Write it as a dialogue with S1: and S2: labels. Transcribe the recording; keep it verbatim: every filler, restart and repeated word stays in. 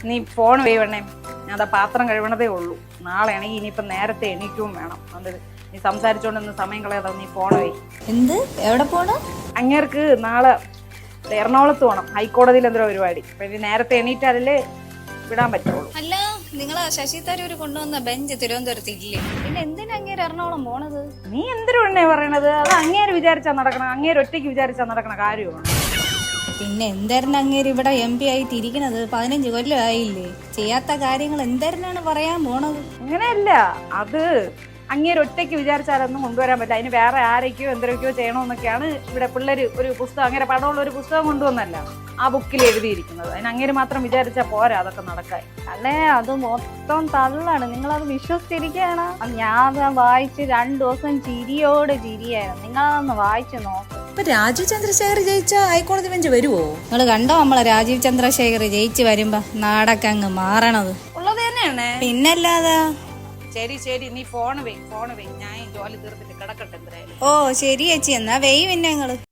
S1: നീ ഫോൺ വേവണേ, ഞാൻ അതാ പാത്രം കഴിവണതേ ഉള്ളൂ. നാളെ ആണെങ്കിൽ ഇനിയിപ്പം നേരത്തെ എണീക്കും വേണം. അതുകൊണ്ട് നീ സംസാരിച്ചോണ്ടൊന്ന് സമയം കളയാതെ നീ ഫോൺ വേ.
S2: എന്ത്? എവിടെ പോണു?
S1: അങ്ങേർക്ക് നാളെ എറണാകുളത്ത് പോകണം, ഹൈക്കോടതിയിൽ എന്തോ പരിപാടി. അപ്പൊ ഇനി നേരത്തെ എണീറ്റാലേ വിടാൻ പറ്റുള്ളൂ.
S2: അല്ല, നിങ്ങള് ശശി തരൂര് കൊണ്ടുവന്ന ബെഞ്ച് തിരുവനന്തപുരത്ത് ഇല്ലേ? പിന്നെ എന്തിനാ അങ്ങേര് എറണാകുളം പോണത്?
S1: നീ എന്തിനു എണ്ണേ പറയണത്? അത് അങ്ങേര് വിചാരിച്ചാ നടക്കണം, അങ്ങേര് ഒറ്റയ്ക്ക് വിചാരിച്ചാ നടക്കണ കാര്യമാണ്.
S2: പിന്നെ എന്തായിരുന്നു അങ്ങേര് ഇവിടെ എം പി ആയിട്ട് ഇരിക്കണത്? പതിനഞ്ച് കൊല്ലം ആയില്ലേ? ചെയ്യാത്ത കാര്യങ്ങൾ എന്തായിരുന്നാണ് പറയാൻ പോണത്?
S1: അങ്ങനെയല്ല, അത് അങ്ങേര് ഒറ്റയ്ക്ക് വിചാരിച്ചാലൊന്നും കൊണ്ടുവരാൻ പറ്റില്ല. അതിന് വേറെ ആരൊക്കെയോ എന്തൊക്കെയോ ചെയ്യണമെന്നൊക്കെയാണ് ഇവിടെ പിള്ളേര് ഒരു പുസ്തകം, അങ്ങനെ പടമുള്ള ഒരു പുസ്തകം കൊണ്ടുവന്നല്ല ആ ബുക്കിൽ എഴുതിയിരിക്കുന്നത്. അതിന് അങ്ങേര് മാത്രം വിചാരിച്ചാൽ പോരാ അതൊക്കെ നടക്കാൻ.
S3: അല്ലേ, അത് മൊത്തം തള്ളാണ്. നിങ്ങളത് വിശ്വസിച്ചിരിക്കുകയാണ്. ഞാൻ വായിച്ച് രണ്ടു ദിവസം ചിരിയോട് ചിരിയായിരുന്നു. നിങ്ങളതൊന്ന് വായിച്ചു നോക്ക്.
S4: ഇപ്പൊ രാജീവ് ചന്ദ്രശേഖർ ജയിച്ച ഹൈക്കോടതി ബെഞ്ച് വരുവോ?
S2: നിങ്ങള് കണ്ടോ നമ്മളെ രാജീവ് ചന്ദ്രശേഖർ ജയിച്ചു വരുമ്പോ നാടൊക്കെ അങ്ങ് മാറണത്?
S1: ഉള്ളത് തന്നെയാണ്.
S2: പിന്നല്ലാതെ.
S1: ശരി ശരി, നീ ഫോൺ വേ ഫോൺ വേ ഞാൻ ജോലി തീർത്തിട്ട് കിടക്കട്ടെ എന്തായാലും.
S2: ഓ ശരി ചേച്ചി, എന്നാ വെയ് പിന്നെ നിങ്ങള്.